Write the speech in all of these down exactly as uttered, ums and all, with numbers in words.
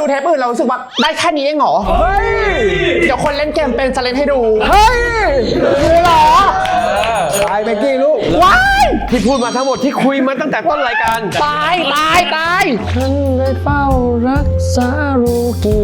เทปอื่นเรารู้สึกว่าได้แค่นี้เองเหรอเฮ้ยเดี๋ยวคนเล่นเกมเป็นจะเล่นให้ดูเฮ้ยรู้เหรอตายเบกกี้ลูกว้ายที่พูดมาทั้งหมดที่คุยมาตั้งแต่ต้นรายการตายตายตายฉันได้เฝ้ารักษาลูกี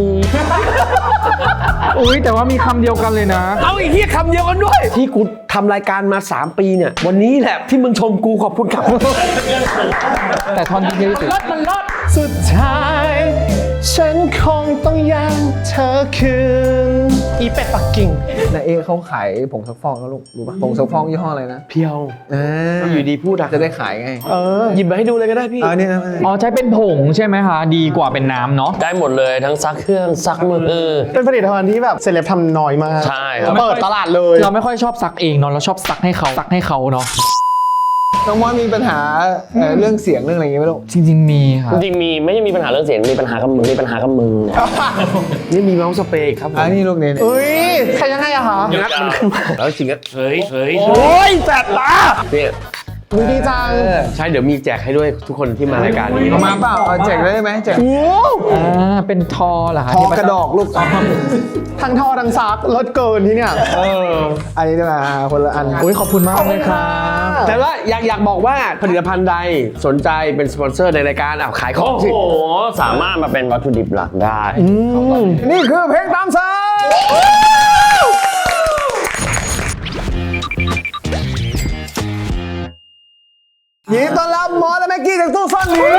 อุ้ยแต่ว่ามีคำเดียวกันเลยนะเอาอีกที่คำเดียวกันด้วยที่กูทำรายการมาสามปีเนี่ยวันนี้แหละที่มึงชมกูขอบคุณครับแต่ทอนดีเทลสุดรถมันรถสุดท้ายฉันคงต้องยังเธอคืนอีเป็ดปักกิ่งนายเอเขาขายผงซักฟอกแล้วลูกรู้ป่ะผงซักฟอกยี่ห้ออะไรนะเพียวอ่าอยู่ดีพูดอะจะได้ขายไงเออหยิบมาให้ดูเลยก็ได้พี่อ๋อนี่นะอ๋อใช้เป็นผงใช่ไหมคะดีกว่าเป็นน้ำเนาะได้หมดเลยทั้งซักเครื่องซักมือเป็นผลิตภัณฑ์ที่แบบเซเลบทำน้อยมากใช่ครับเปิดตลาดเลยเราไม่ค่อยชอบซักเองเนาะเราชอบซักให้เขาซักให้เขาเนาะน้องมอสมีปัญหาเรื่องเสียงเรื่องอะไรอย่างเงี้ยไหมลูกจริงๆมีค่ะจริงๆมีไม่ใช่มีปัญหาเรื่องเสียงมีปัญหากับมือมีปัญหากับมือนี่มีเมาส์สเปรย์ครับอันนี้ลูกเนี่ยอุ้ยใครยังไงอะคะงัดมันขึ้นมาแล้วจริงก็เฮ้ยเฮ้ยโอ้ยแสบตาเนี่ยดีจังใช่เดี๋ยวมีแจกให้ด้วยทุกคนที่มารายการนี้มาเปล่าแจกได้ไหมแจกอ่าเป็นทอเหรอคะทอกระดอกลูกทั้งทอทั้งซักลดเกินที่เนี่ยเอออันนี้ด้วยนะคนละอันอุ้ยขอบคุณมากเลยครับแต่ว่าอยากอยากบอกว่าผลิตภัณฑ์ใดสนใจเป็นสปอนเซอร์ในรายการอ่ะขายของสิโอ้โหสามารถมาเป็นวัตถุดิบหลักได้นี่คือเพลงตามสั่งยินดีต้อนรับมอสและแม็กกี้จากตู้ซ่อนหมี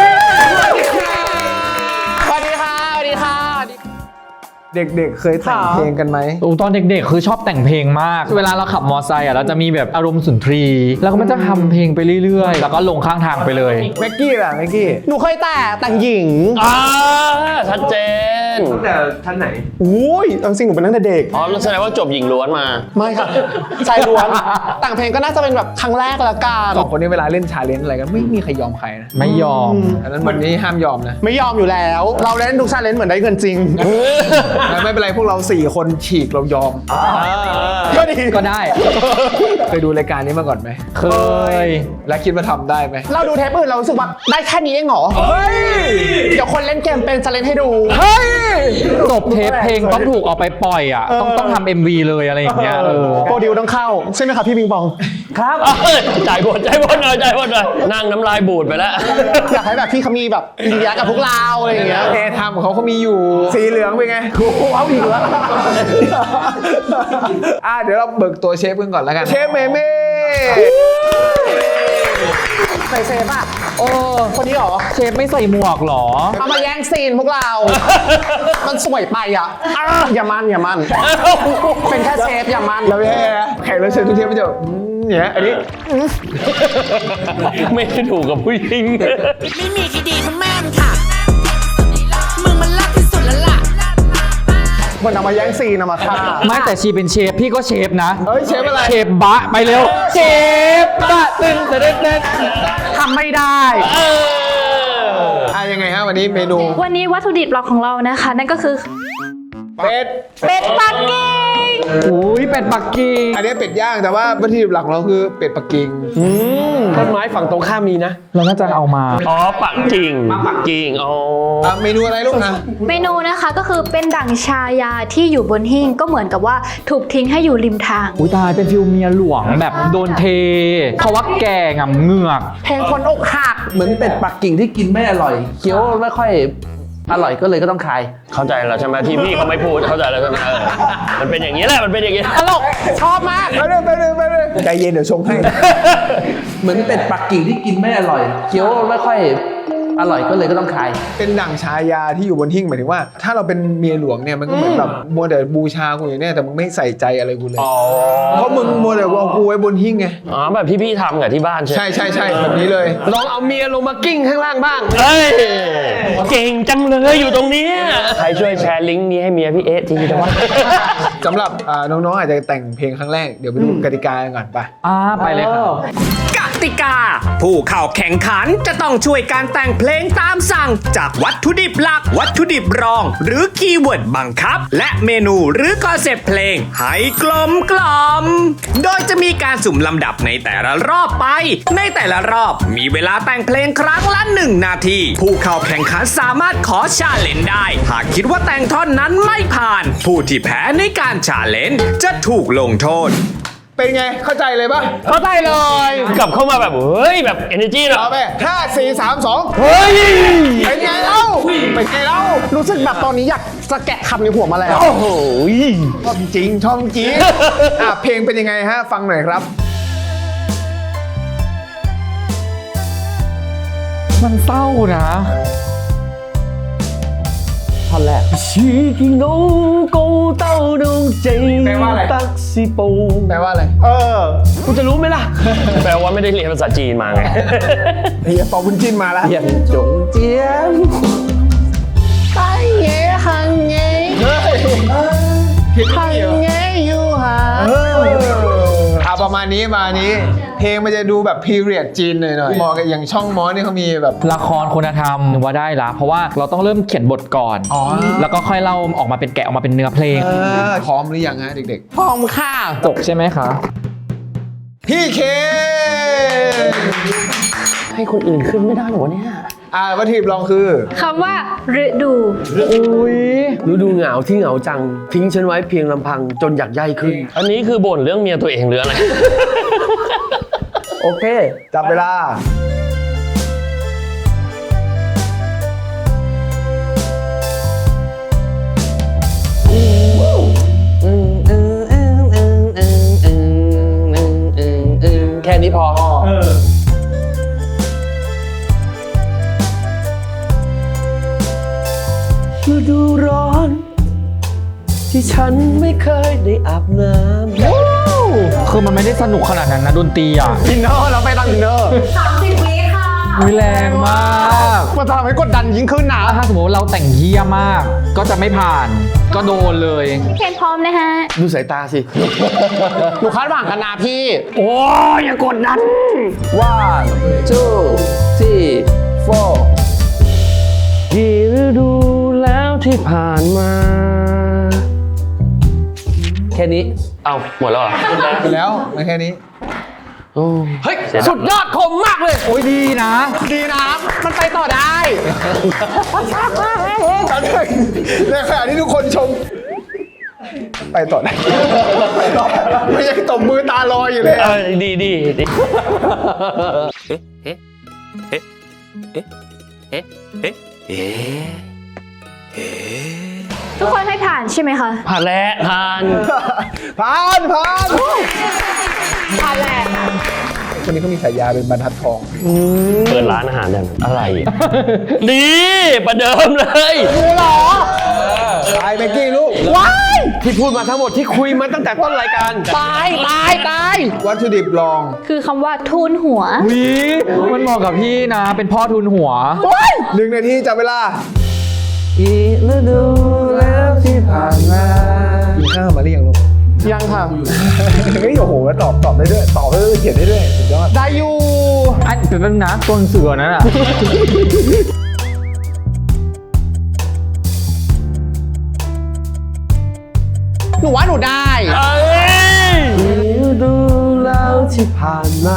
สวัสดีค่ะสวัสดีค่ะเด็กๆเคยแต่งเพลงกันไหมตอนเด็กๆคือชอบแต่งเพลงมากเวลาเราขับมอเตอร์ไซค์อ่ะเราจะมีแบบอารมณ์สุนทรีแล้วก็มันจะทำเพลงไปเรื่อยๆแล้วก็ลงข้างทางไปเลยแม็กกี้ล่ะแม็กกี้หนูเคยแต่แต่งหญิงอ่าชัดเจนตั้งแต่ท่านไหนอุ้ยจริงหนูเป็นตั้งแต่เด็กอ๋อแสดงว่าจบหญิงล้วนมาไม่ค่ะชายล้วนแต่งเพลงก็น่าจะเป็นแบบครั้งแรกละกันสองคนนี้เวลาเล่นชาเลนจ์อะไรกันไม่มีใครยอมใครนะไม่ยอมอันนั้นวันนี้ห้ามยอมนะไม่ยอมอยู่แล้วเราเล่นทุกชาเลนจ์เหมือนได้เงินจริงไม่เป็นไรพวกเราสี่คนฉีกเรายอมก็ดีก็ได้เคยดูรายการนี้มาก่อนไหมเคยและคิดว่าทำได้ไหมเราดูเทปอื่นเรารู้สึกว่าได้แค่นี้เองเหรอเฮ้ยเดี๋ยวคนเล่นเกมเป็นจะเล่นให้ดูเฮ้ยจบเทปเพลงต้องถูกเอาไปปล่อยอ่ะต้องต้องทำ เอ็ม วี เลยอะไรอย่างเงี้ยโปรดิวต้องเข้าใช่ไหมครับพี่บิงบองครับจ่ายบทจ่ายบทหน่อยจ่ายบทหน่อยนั่งน้ำลายบูดไปแล้วอยากให้แบบพี่เขามีแบบอินเดียกับพวกเราอะไรอย่างเงี้ยแกทำเขาเขามีอยู่สีเหลืองเป็นไงโอ้โหเอาอีกแล้วอ่ะเดี๋ยวเราเบิกตัวเชฟกันก่อนแล้วกันเชฟเมเม่ใส่เชฟอ่ะโอ้คนนี้หรอเชฟไม่ใส่หมวกหรอเอามาแย่งซีนพวกเรามันสวยไปอ่ะอย่ามันอย่ามันเป็นแค่เชฟอย่ามันเราแย่แขกรับเชิญทุกเทปไม่เจอเนี่ยอันนี้ไม่ได้ถูกกับผู้หญิงไม่มีใครดีเท่าแม่มึงค่ะมึงมันรักที่สุดแล้วล่ะมันเอามาแย่งซีนเอามาฆ่าไม่แต่ชีเป็นเชฟพี่ก็เชฟนะเฮ้ยเชฟอะไรเชฟบะไปเร็วเชฟบะตึ้งตึ้งตึ้งทำไม่ได้อ่ะยังไงฮะวันนี้เมนูวันนี้วัตถุดิบหลักของเรานะคะนั่นก็คือเป็ดเป็ดปักกิ่งอุ้ยเป็ดปักกิ่งอันนี้เป็ดย่างแต่ว่าวัตถุดิบหลักของเราคือเป็ดปักกิ่งต้นไม้ฝั่งตรงข้ามมีนะเราน่าจะเอามาอ๋อปักกิ่งปักกิ่งอ๋อเมนูอะไรลูกนะเมนูนะคะก็คือเป็นดั่งชายาที่อยู่บนหิ้งก็เหมือนกับว่าถูกทิ้งให้อยู่ริมทางอุ้ยตายเป็นฟิลเมียหลวงแบบโดนเทเพราะว่าแก่งำเหงือกเพลงคนอกหักเหมือนเป็ดปักกิ่งที่กินไม่อร่อยเคี้ยวไม่ค่อยอร่อยก็เลยก็ต้องคายเข้าใจแล้วใช่ไหมที่พี่เขาไม่พูดเข้าใจแล้วใช่ไหมมันเป็นอย่างนี้แหละมันเป็นอย่างนี้ตลกชอบมากไปเลยไปเลยไปเลยใจเย็นเดี๋ยวชงให้เหมือนเป็ดปักกิ่งที่กินไม่อร่อยเคี้ยวไม่ค่อยอร่อยก็เลยก็ต้องคายเป็นดั่งชายาที่อยู่บนหิ้งหมายถึงว่าถ้าเราเป็นเมียหลวงเนี่ยมันก็เหมือนแบบมัวแต่บูชากูอย่างเนี้ยแต่มึงไม่ใส่ใจอะไรกูเลยเพราะมึงมัวแต่เอากูไว้บนหิ้งไงอ๋อแบบที่พี่ทำกับที่บ้านใช่ใช่ใช่แบบนี้เลยลองเอาเมียลงมากิ้งข้างล่างบ้างเฮ้ยเก่งจังเลยอยู่ตรงนี้ใครช่วยแชร์ลิงก์นี้ให้เมียพี่เอ๊ะทีนะวะสำหรับน้องๆอาจจะแต่งเพลงครั้งแรกเดี๋ยวไปดูกติกาก่อนไปอ่าไปเลยครับกติกาผู้เข้าแข่งขันจะต้องช่วยการแต่งเพลลงตามสั่งจากวัตถุดิบหลักวัตถุดิบรองหรือคีย์เวิร์ดบังคับและเมนูหรือคอนเซปต์เพลงให้กลมกล่อมโดยจะมีการสุ่มลำดับในแต่ละรอบไปในแต่ละรอบมีเวลาแต่งเพลงครั้งละหนึ่งนาทีผู้เข้าแข่งขันสามารถขอชาเลนจ์ได้หากคิดว่าแต่งท่อนนั้นไม่ผ่านผู้ที่แพ้ในการชาเลนจ์จะถูกลงโทษเป็นไงเข้าใจเลยปะเข้าใจเลยกลับเข้ามาแบบเฮ้ยแบบ energy เนอะเอาไปห้าสี่สามสองเฮ้ยเป็นไงเล่าเป็นไงเล่ารู้สึกแบบตอนนี้อยากจะแกะคำในหัวมาแล้วโอ้โหชอบจริงชอบจริงอ่ะเพลงเป็นยังไงฮะฟังหน่อยครับมันเศร้านะท่อนแรกชีกิโนโกเต้าดงใจแปลว่าอะไรตักซิโปแปลว่าอะไรเออคุณจะรู้ไหมล่ะ แปลว่าไม่ได้เรียนภาษาจีนมาไงเฮียปอบุญจินมาแล้วอย่างจงเจียมไปเย่หังเย่หังเย่อยู่หาเอออ่ะประมาณนี้ประมาณนี้ เพลงมันจะดูแบบพีเรียดจีนหน่อยหน่อยเหมาะกับอย่างช่องมอสนี่เขามีแบบละครคุณธรรมว่าได้ละเพราะว่าเราต้องเริ่มเขียนบทก่อนอ๋อแล้วก็ค่อยเล่าออกมาเป็นแกะออกมาเป็นเนื้อเพลงเออพร้อมหรือยังฮะเด็กพร้อมค่ะจบใช่ไหมคะๆ พี่เคให้คนอื่นขึ้นไม่ได้หรอเนี่ยอ่าวัตถุดิบลองคือคำว่าฤดูอุ้ยฤดูเหงาที่เหงาจัง ทิ้งฉันไว้เพียงลำพังจนอยากใยขึ้น อันนี้คือบ่นเรื่องเมียตัวเองหรืออะไรโอเค จับเวลาแค่นี้พอ ฤดูร้อน ที่ฉันไม่เคยได้อาบน้ำคือมันไม่ได้สนุกขนาดนั้นนะดนตรีอ่ะอินเนอร์เราไปตามอินเนอร์อุ้ยแรงมากมันจะทำให้กดดันยิ่งขึ้นนะถ้าสมมติว่าเราแต่งเฮี้ยมาก ก็จะไม่ผ่าน ก็โดนเลยเพลงพร้อมนะฮะดูสายตาสิหนูคาดหวังกันนะพี่โอ้ยอย่ากดดัน one two three four กี่ฤดูแล้วที่ผ่านมา แค่นี้ เอาหมดแล้วเหรอไปแล้วมาแค่นี้โอ้เฮ้ยเสียดายสุดยอดคมมากเลยโอ้ยดีนะดีนะ มันไปต่อได้ในขณะที่ทุกคนชม ไปต่อได้ไม่ยังตบมือตาลอยอยู่เลยเออดีดีดีทุกคนให้ผ่านใช่ไหมคะผ่านแล้วผ่านผ่านผ่านผ่านแหละคนนี้เขามีฉายาเป็นบรรทัดทองเปิดร้านอาหารอย่างนั้นอะไรอ่ะ ดีประเดิมเลยตายเบกกี้ลูกว้ายที่พูดมาทั้งหมดที่คุยมาตั้งแต่ต้นรายการตาย ตาย ตายวัตถุดิบลองคือคำว่าทูนหัววิมันเหมาะกับพี่นะ เป็นพ่อทุนหัวหนึ่งนาทีจับเวลาอีฤดูแล้วที่ผ่านมากินข้าวมาหรือยังลูกยังค่ะเฮ้ยโอ้โหตอบตอบได้ด้วยตอบได้ด้วยเขียนได้ด้วยสุดยอดได้อยู่อันเป็นนะตัวหนังสือนั้นอ่ะหนูว่าหนูได้เอ้ยฤดูแล้วที่ผ่านมา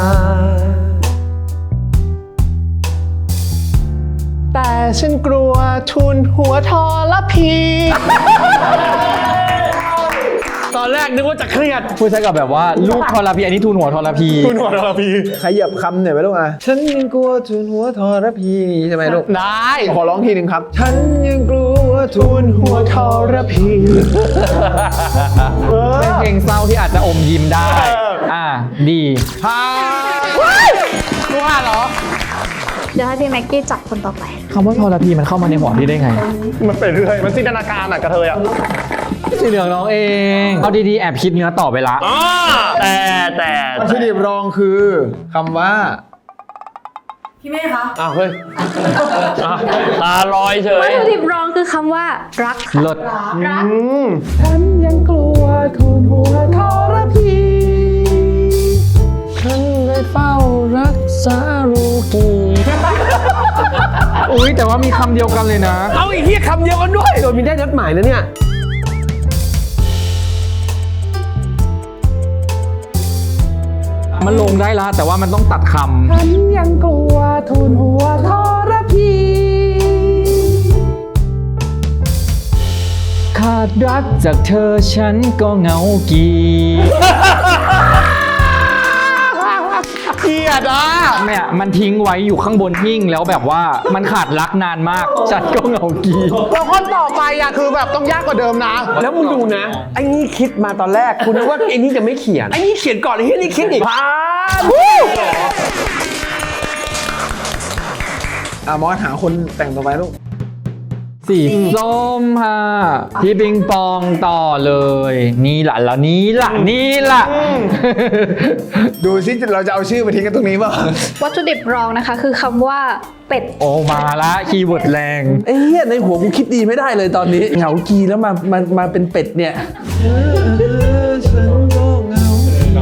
แต่ฉันกลัวทุนหัวทอละพีตอนแรกนึกว่าจะเครียดพูดใช้กับแบบว่าลูกทรพีอันนี้ทุนหัวทรพีทุนหัวทอละพีขยับคำหน่อยไหมลูกอ่ะ ฉันยังกลัวทุนหัวทรพีใช่ไหมลูกได้ขอร้องทีหนึ่งครับ ฉันยังกลัวทุนหัวทรพีเป็นเพลงเศร้าที่อาจจะอมยิ้มได้ อ่า ดีผ่านหนูอ่านเหรอเดี๋ยวให้พี่แม็กกี้จับคนต่อไปคำว่าทรพีมันเข้ามาในหัวพี่ได้ไงมันเป็นเรื่อยมันจินตนาการอ่ะกระเทยอ่ะสีเหลืองน้องเอง เอาดีๆ แอบคิดเนื้อต่อไปละอ๋อแต่แต่วัตถุดิบรองคือคำว่าอ้าวเฮ้ยอ่ะตาลอยเฉวัตยถุดิบรองคือคำว่า รักค่ะเลิศรักฉันยังกลัวทุนหัวทรพีฉันเลยเฝ้ารักษาลูกีอุ้ยแต่ว่ามีคำเดียวกันเลยนะเอาอีกที่คำเดียวกันด้วยโดยมีได้นัดหมายนะเนี่ยมันลงได้ละแต่ว่ามันต้องตัดคำฉันยังกลัวทูลหัวทรพีขาดรักจากเธอฉันก็เหงากีเกลียดอ่ะเนี่ยมันทิ้งไว้อยู่ข้างบนหิ้งแล้วแบบว่ามันขาดรักนานมากฉันก็เหงากีแล้วคนต่อไปอ่ะคือแบบต้องยากกว่าเดิมนะแล้วมึงดูนะ ไอ้นี่คิดมาตอนแรกคุณนึกว่าไอ้นี่จะไม่เขียน ไอ้นี่เขียนก่อนไอ้นี่คิดอีกผ่านอ่ะมอสหาคนแต่งต่อไปลูกสีส้มค่ะพี่ปิงปองต่อเลย นี่ล่ะแล้วนี่ล่ะนี่ล่ะดูซิเราจะเอาชื่อมาทิ้งกันตรงนี้ป่ะวัตถุดิบรองนะคะคือคำว่าเป็ดโอ้มาละคีย์เวิร์ดแรงไอ้เหี้ยในหัวกูคิดดีไม่ได้เลยตอนนี้เหงากีแล้วมามามาเป็นเป็ดเนี่ยฉันก็เหงา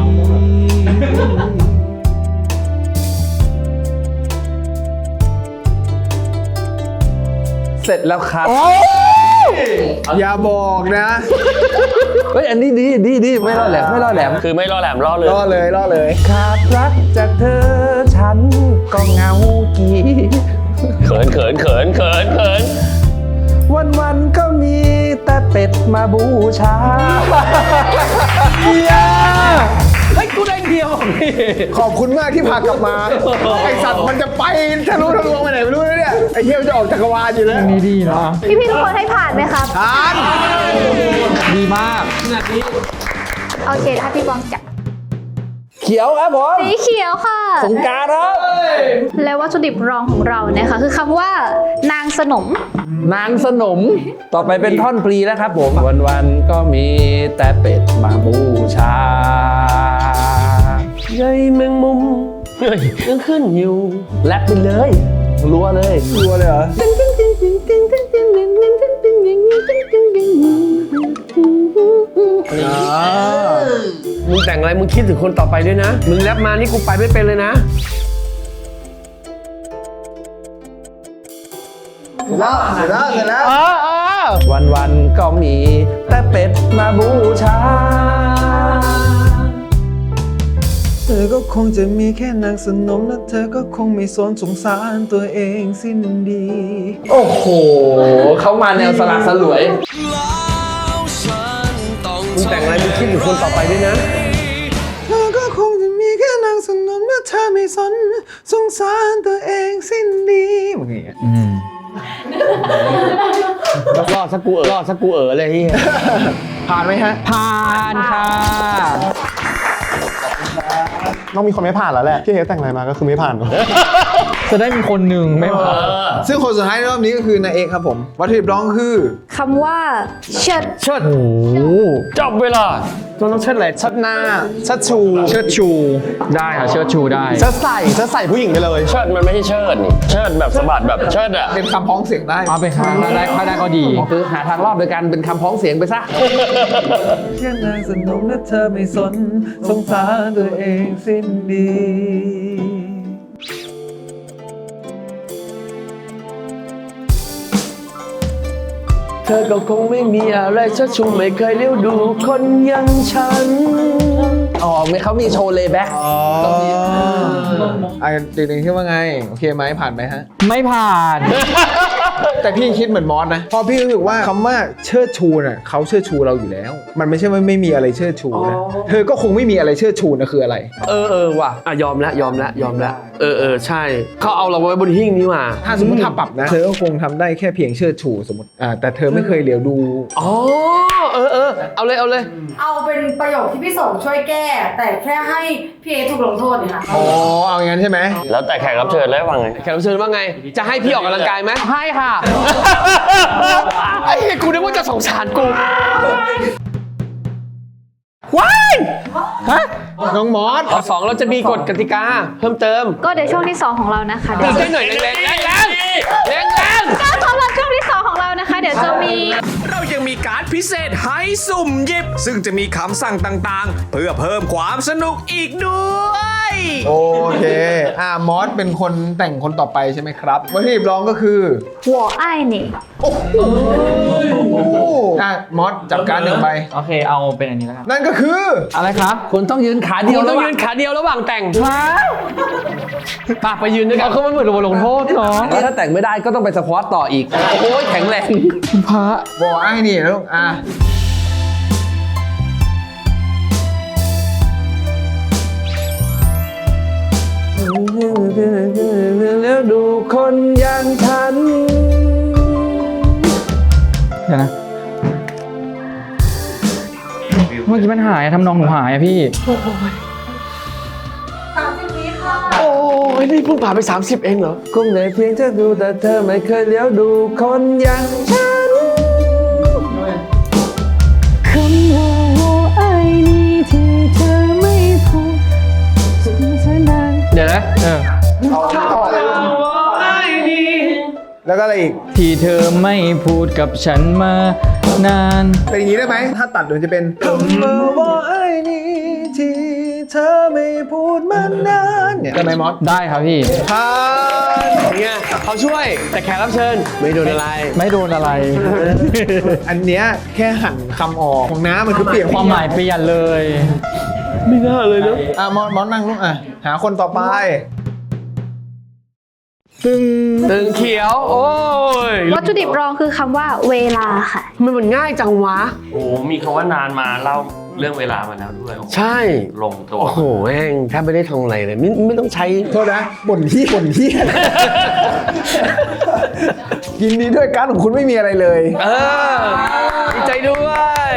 เสร็จแล้วครับอย่าบอกนะ เฮ้ย อันนี้ดีดีดีไม่ล่อแหลมไม่ล่อแหลมคือไม่ล่อแหลมล่อเลยล่อเลยล่อเลยขาดรักจากเธอฉันก็เหงากีเขินเขินเขินเขินเขินวันวันๆก็มีแต่เป็ดมาบูชาเฮียเฮ้ยกูได้เดียวพี่ขอบคุณมากที่พากลับมา ไอสัตว์มันจะไปทะลุทะลวงไปไหนไม่รู้นะเนี่ย ไอเฮียมันจะออกจักรวาลอยู่แล้วนี่ดีนะพี่ๆทุกคนให้ผ่านไหมครับทานดีมากโอเคถ้าพี่บองจับเขียวครับผมสีเขียวค่ะสงกรานต์ครับและวัตถุดิบรองของเราเนี่ยค่ะคือคำว่า นางสนมนางสนม ต่อไปเป็นท่อนปลีแล้วครับผม วันวันๆก็มีแต่เป็ดมาบูชาใยแมงมุมเฮ้ยยังขึ้นอยู่แรปไปเลยรัวเลยรัวเลยเหรอมึงแต่งอะไรมึงคิดถึงคนต่อไปด้วยนะ มึงแรปมานี่กูไปไม่เป็นเลยนะเสร็จแล้วเสร็จแล้วเสร็จแล้วเออเออวันวันๆก็มีแต่เป็ดมาบูชา เธอก็คงจะมีแค่นางสนมและเธอก็คงไม่สนสงสารตัวเองสิ้นดี โอ้โห เขามาแนวสละสลวยมึงแต่งอะไรมึงคิดถึงคนต่อไปด้วยนะเธอก็คงจะมีแค่นางสนมและเธอไม่สนสงสารตัวเองสิ้นดีมึงอย่างเงี้ยอืมรอดสักกูเออรอดสักกูเออเลยที่ผ่านไหมฮะผ่านค่ะต้องมีคนไม่ผ่านแล้วแหละพี่เฮแต่งอะไรมาก็คือไม่ผ่านจะได้มีคนหนึ่งไม่ผ่านซึ่งคนสุดท้ายในรอบนี้ก็คือนายเอกครับผม วัตถุดิบร้องคือคำว่า เชิดเชิดโอ้โหจบเวลามันต้องเชิดอะไรชัดหน้าชัดชูเชิดชูได้ค่ะเชิดชูได้ชัดใส่ชัดใส่ผู้หญิงไปเลยเชิดมันไม่ใช่เชิดนี่ เชิดแบบสะบัดแบบเชิดอะเป็นคำพ้องเสียงได้เอาไปค่ะถ้าได้ถ้าได้ก็ดีคือหาทางรอบโดยการเป็นคำพ้องเสียงไปซะแค่นางสนมและเธอไม่สนสงสารตัวเองสิ้นดีเธอก็คงไม่มีอะไรเชิดชูไม่เคยเลี้ยวดูคนอย่างฉันอ๋อเขามีโชว์เลย์แบ็กอ๋ออ่ะติงๆคิดว่าไง โอเคไหมผ่านไหมฮะไม่ผ่านแต่พี่คิดเหมือนมอสนะเพราะพี่รู้สึกว่าคำว่าเชิดชูน่ะเขาเชิดชูเราอยู่แล้ว มันไม่ใช่ว่าไม่มีอะไรเชิดชูนะเธอก็คงไม่มีอะไรเชิดชูนะคืออะไรเออเออว่ะอ่ะยอมแล้วยอมแล้วยอมแล้วเออเออใช่ เขาเอาเราไว้บนหิ้งนี่มาถ้าสมมติถ้าปรับนะ เธอก็คงทำได้แค่เพียงเชิดชูสมมติอ่าแต่เธอไม่เคยเหลียวดูอ๋อเออเออเอาเลยเอาเลยเอาเป็นประโยคที่พี่สงช่วยแก้ แต่แค่ให้พี่เอถูกลงโทษเนี่ยค่ะอ๋อเอาอย่างนั้นใช่ไหมแล้วแต่แขกรับเชิญแล้วว่าไงแขกรับเชิญว่าไง จะให้พี่ออกกำลังกายไหมให้ค่ะไอ้เหี้ยกูนึกว่าจะสงสารกูว้ายฮะน้องมอสข้อสองเราจะมีกฎกติกาเพิ่มเติมก็เดี๋ยวช่วงที่สองของเรานะคะตีเดี๋ยวได้หน่อยแรงแรงแรงแรงแรงแรงก็สำหรับช่วงที่สองของเรานะคะเดี๋ยวดี๋ยวจะมีเรายังมีการ์ดพิเศษให้สุ่มหยิบ ซึ่งจะมีคำสั่งต่างๆ เพื่อเพิ่มความสนุกอีกด้วยโอเค อ่ามอสเป็นคนแต่งคนต่อไปใช่ไหมครับวัตถุดิบรองก็คือหัวไอ้นี่อ่ะมอสจับการดหนึ่งใบโอเคเอาเป็นอันนี้แล้วกันนั่นก็คืออะไรครับคุณต้องยืนขาเดียวต้องยืนขาเดียวระหว่างแต่งปากไปยืนด้วยกันเอาคือมันเหมือนบทลงโทษเนาะแล้วถ้าแต่งไม่ได้ก็ต้องไปสควอตต่ออีก โอ้ยแข็งแรงพระบอกไอ้นี่นะลูกอ่ะแล้วดูคนอย่างฉันเดี๋ยวนะเมื่อกี้มันหายอะทำนองหนูหายอะพี่โอ้ยนี่เพิ่งผ่านไป สามสิบ เองเหรอคงได้เพียงเธอดูแต่เธอไม่เคยเลี้ยวดูคนอย่างฉันคำว่าหัวไอ้นี่ที่เธอไม่พูดถึงเธอนานเดี๋ยวนะเออแล้วก็อะไรอีกที่เธอไม่พูดกับฉันมานานเป็นอย่างนี้ได้ไหม ถ้าตัดเดี๋ยวจะเป็นคำว่าไอ้นี่ที่เธอไม่พูดมานานเนี่ยได้ไหมมอสได้ครับพี่ผ่านเนี่ยเขาช่วยแต่แขกรับเชิญไม่โดนอะไรไม่โดนอะไรอันเนี้ยแค่หั่นคำออกของน้ำมันคือเปลี่ยนความหมายเปลี่ยนเลยไม่น่าเลยเนาะอ่ะมอสมอสนั่งลูกอ่ะ หาคนต่อไป ตึงตึงเขียว โอ้ยวัตถุดิบรองคือคำว่าเวลาค่ะมันมันง่ายจังวะโอ้มีคำว่านานมาเล่าเรื่องเวลามาแล้วด้วยใช่ลงตัวโอ้โหแม่งแทบไม่ได้ทำอะไรเลยไม่ไม่ต้องใช้โทษนะบ่นที่บ่นที่ ยินดีด้วยการดของคุณไม่มีอะไรเลยเออดีใจด้วย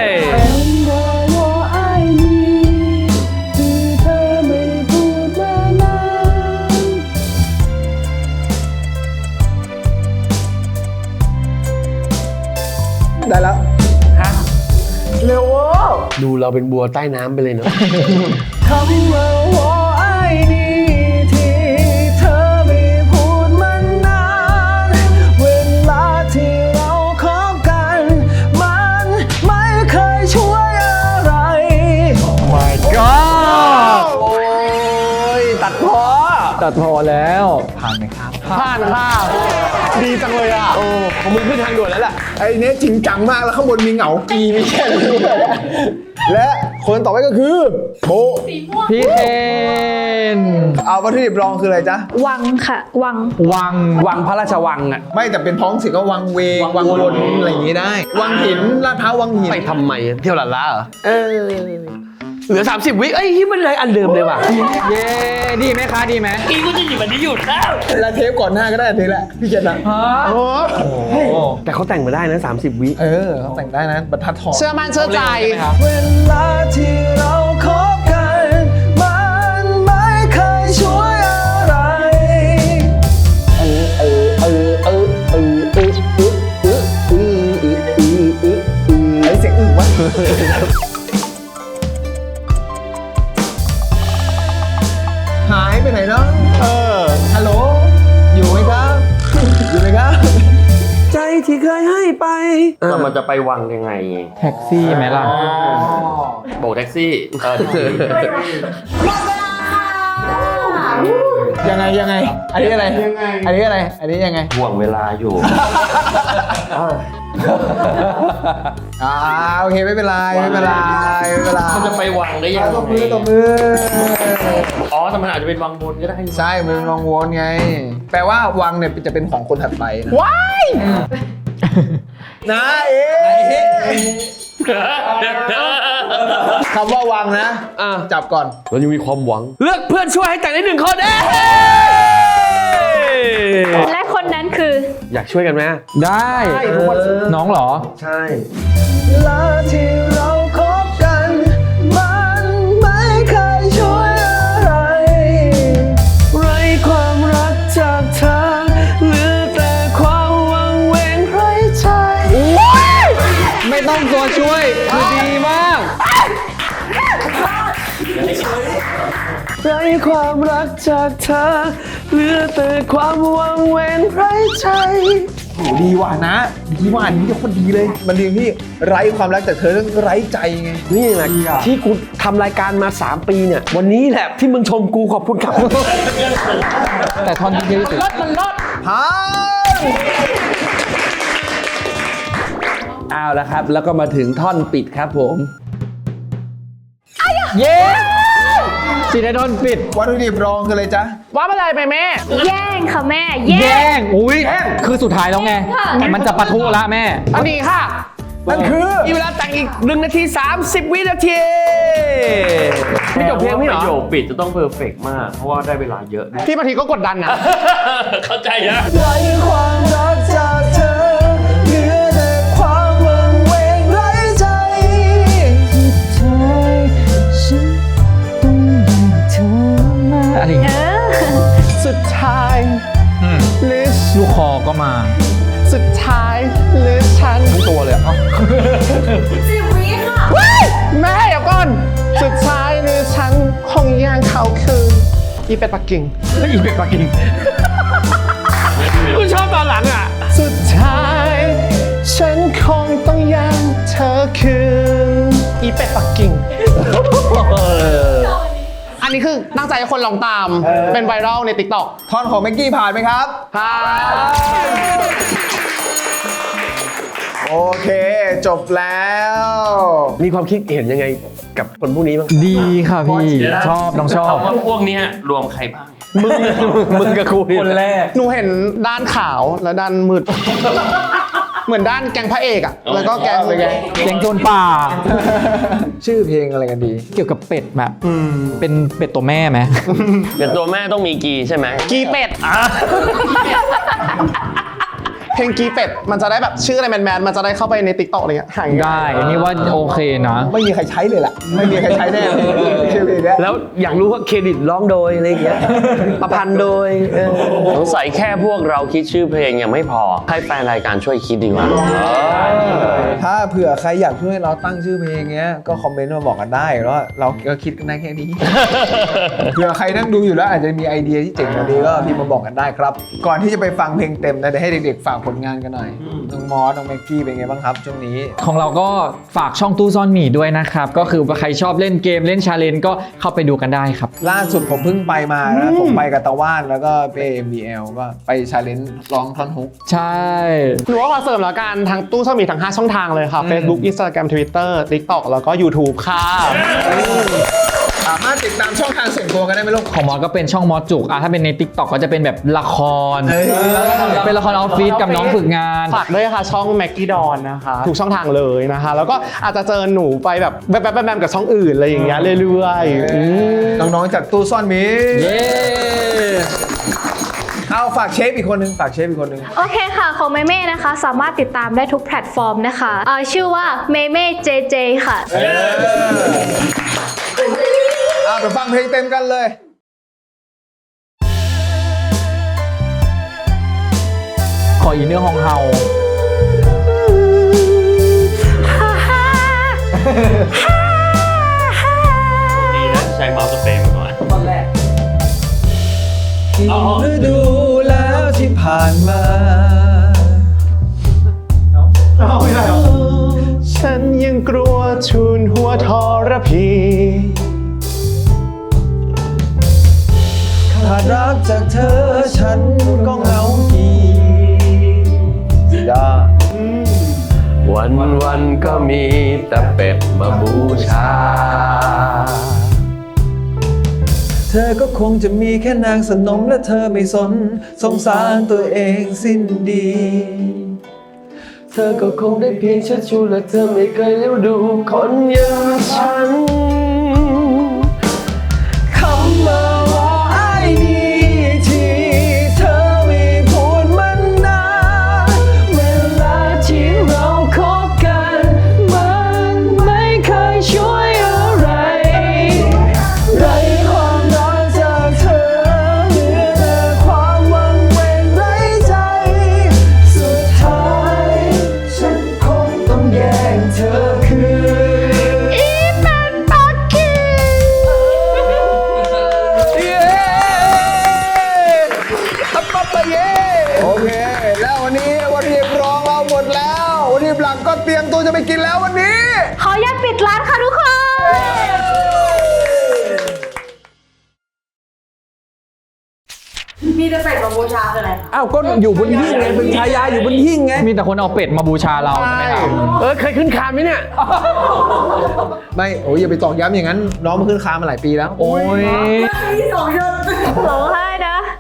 ได้แล้วเร็วดูเราเป็นบัวใต้น้ำไปเลยเนาะคำว่าว่าไอ้นี่ที่เธอไม่พูดมานานเวลาที่เราคบกันมันไม่เคยช่วยอะไร my god โอ้ยตัดพอตัดพอแล้ว ผ่านไหมครับผ่านค่ะดีจังเลยอ่ะ โอ้ของมึงขึ้นทางด่วนแล้วแหละไอ้เนี้ยจริงจังมากแล้วข้างบนมีเหงากีไม่ใช่เลยและคนต่อไปก็คือโบพี่เคนเอาวัตถุดิบรองคืออะไรจ๊ะวังค่ะ วังวังวังพระราชวังอ่ะไม่แต่เป็นท้องถิ่นก็วังเวงวังวนอะไรอย่างนี้ได้ วังหินลาดพร้าววังหินไปทำไมอะเที่ยวหลานล้าเหรอ เออ เหลือ สามสิบ วิเอ้ยที่มันเลยอันเดิมเลยว่ะเย้ดีไหมคะดีไหมอีกูจะหยิบอันนี้หยุดแล้วแล้วเทปก่อนหน้าก็ได้เทปแหละพี่เจนนะฮะโอ้โอ้แต่เขาแต่งมาได้นะ สามสิบ วิเออเขาแต่งได้นะบรรทัดทองเชื่อมั่นเชื่อใจเวลาที่เราคบกันมันไม่เคยช่วยอะไรเออเออเออเออเออเออเออเออเออเออเออไอเสียงอึวะหายไปไหนเนาะเออฮัลโหลอยู่ไหมครับ อยู่ไหมครับ ใจที่เคยให้ไปแต่มันจะไปวังยังไงแท็กซี่ไหมล่ะโบกแท็กซี่เออยังไงยังไง อันนี้อะไร อันนี้อะไร อันนี้ยังไงห่วงเวลาอยู่อ่าโอเคไม่เป็นไรไม่เป็นไรไม่เป็นไรมันจะไปวังได้ยังตบไงมือตบมืออ๋อแต่มันอาจจะเป็นวังบนก็ได้ใช่มันเป็นวังวนไง แปลว่าวังเนี่ยจะเป็นของคนถัดไปนะว้ายนะเอ๊คำว่าวังนะอ่ะจับก่อนเรายังมีความหวัง เลือกเพื่อนช่วยให้แต่งได้หนึ่งคนเอ้ยและคนนั้นคืออยากช่วยกันไหมได้ น้องเหรอใช่ลาที่เราคบกันมันไม่เคยช่วยอะไรไรความรักจากเธอเหลือแต่ความหวังเวงไร้ใจไม่ต้องตัวช่วยคือดีมากไรความรักจากเธอเหลือแต่ความหวังเวงไร้ใจโหดีว่ะนะดีว่ะอันนี้จะคนดีเลย มันเรียงที่ไร้ความรักแต่เธอต้องไร้ใจไงนี่แหละที่กูทำรายการมาสามปีเนี่ยวันนี้แหละที่มึงชมกูขอบคุณครับแต่ท่อนที่ที่สุดพังเอาละครับ แล้วก็มาถึงท่อนปิดครับผมเย้ซีไดโดนปิดวัตถุดิบรองคืออะไรจ๊ะว่าอะไรไปแม่แย่งค่ะแม่แย่งอุ้ยคือสุดท้ายแล้วไง มันจะปะทุละแม่อันนี้ค่ะนั่นคือมีเวลาแต่งอีกหนึ่งนาทีสามสิบวินาทีไม่จบเพลงไม่เหรประโยอคปิดจะต้องเพอร์เฟกต์มาก เพราะว่าได้เวลาเยอะด้วยพี่บางทีก็กดดันนะเข้าใจนะไร้ความรักจากเธอเหลือแต่ความวังเวงไร้ใจอะไรอย่างเงี้ยสุดท้ายอืมหรือลูกคอก็มาสุดท้ายหรือฉันทั้งตัวเลยอ่ะสิบวิค่ะแม่เดี๋ยวก่อน สุดท้ายหรือฉันคงยังเขาคืออีเป็ดปักกิ่งแล้วอีเป็ดปักกิ่งกูชอบตอนหลังอ่ะสุดท้ายฉันคงต้องยังเธอคืนอีเป็ดปักกิ่ง อันนี้คือตั้งใจให้คนลองตาม เป็นไวรัลใน ติ๊กต็อกท่อนของแม็กกี้ผ่านไหมครับครับโอเค จบแล้วมีความคิดเห็นยังไงกับคนพวกนี้บ้างดีค่ะพี่ ชอบน้องชอบคำว่าพวกเนี้ยรวมใครบ้างมึงมึงกับกูคนแรกหนูเห็นด้านขาวและด้านมืด เหมือนด้านแกงพระเอกอะแล้วก็แกงเลยแกงแกงโจรป่าชื่อเพลงอะไรกันดีเกี่ยวกับเป็ดแบบเป็นเป็ดตัวแม่ไหมเป็นตัวแม่ต้องมีกีใช่ไหมกีเป็ดเพลงกีเป็ดมันจะได้แบบชื่ออะไรแมนๆมันจะได้เข้าไปใน ติ๊กต็อก อะไรเงี้ยหายได้ นี่ว่าโอเคนะไม่มีใครใช้เลยล่ะ ไม่มีใครใช้แน่ชื่อเพลงเนี้ยแล้วอยากรู้ว่าเครดิตร้องโดยอะไรอย่างเงี้ยประพันธ์โดยเออสงสัยแค่พวกเราคิดชื่อเพลงยังไม่พอ ให้แฟนรายการช่วยคิดดีกว่าถ้าเผื่อใครอยากช่วยเราตั้งชื่อเพลงเงี้ย ก็คอมเมนต์มาบอกกันได้แล้วเราก็คิดกันได้แค่นี้ เผื่อใครนั่งดูอยู่แล้วอาจจะมีไอเดียที่เจ๋งกว่านี้ก็พิมพ์มาบอกกันได้ครับ ก่อนที่จะไปฟังเพลงเต็มนะเดี๋ยวให้เด็กๆฝากผลงานกันหน่อย น้องมอส น้องแม็กกี้เป็นไงบ้างครับช่วงนี้ของเราก็ฝากช่องตู้ซ่อนหมีด้วยนะครับ ก็คือว่าใครชอบเล่นเกมเล่นชาเลนจ์ก็เข้าไปดูกันได้ครับล่าสุดผมเพิ่งไปมานะ ผมไปกับตะว่านแล้วก็ไป เอ็ม บี แอล ก็ไปชาเลนจ์ร้องท่อนฮุกใช่หนูว่าขอเสริมแล้วกันทางตู้ช่องมีทั้งห้าช่องทางเลยค่ะ Facebook Instagram Twitter TikTok แล้วก็ YouTube ค่ะสามารถติดตามช่องทางส่วนตัวกันได้ไหมลูกของมอสก็เป็นช่องมอสจุกอ่ะถ้าเป็นใน ติ๊กต็อก ก็จะเป็นแบบละครเฮ้ยเป็นละครออฟฟิศกับน้องฝึกงานฝากด้วยค่ะช่อง Maggie Dawn นะคะทุกช่องทางเลยนะคะ แล้วก็อาจจะเจอหนูไปแบบแบบแบบแบบกับช่องอื่นอะไรอย่างเงี้ยเรื่อยๆอืมน้องๆจากตู้ซ่อนหมีเย้เอาฝากเชฟอีกคนนึงฝากเชฟอีกคนนึงโอเคค่ะ ของเมเม่นะคะ สามารถติดตามได้ทุกแพลตฟอร์มนะคะเอ่อชื่อว่าเมเม่เจเจค่ะเอาไปฟังเพลงเต็มกันเลยขออีเนื้อฮองเฮาดีนะใช้เมาส์สเปรย์มาก่อนฤดูแล้วที่ผ่านมาฉันยังกลัวทูนหัวทรพีขาดรักจากเธอฉันก็เหงากีดาวันวันๆก็มีแต่เป็ดมาบูชาเธอก็คงจะมีแค่นางสนมและเธอไม่สนสงสารตัวเองสิ้นดีเธอก็คงได้เพียงเชิดชูและเธอไม่เคยเลี้ยวดูคนอย่างฉันคำว่าว่าไอ้นี่ที่เธอไม่พูดมันนานเวลาที่เราคบกันมันไม่เคยช่วยอะไรไร้ความรักจากเธอเหลือแต่ความวังเวงไร้ใจสุดท้ายฉันคงต้องแย่งเธอคืนอีเป็นปาลักก็เตรียมตัวจะไปกินแล้ววันนี้ขออนุญาตปิดร้านค่ะทุกคนมีแต่เป็ดมาบูชาคืออะไรคะอ้าวก็อยู่บนหิ้งไงเป็นชายาอยู่บนหิ้งไงมีแต่คนเอาเป็ดมาบูชาเราใช่ไหมครับเออเคยขึ้นคานไหมเนี่ยไม่โอ้ยอย่าไปตอกย้ำอย่างนั้นน้องมาขึ้นคานมาหลายปีแล้วโอ้ยมีสองยศร้องไห้นะ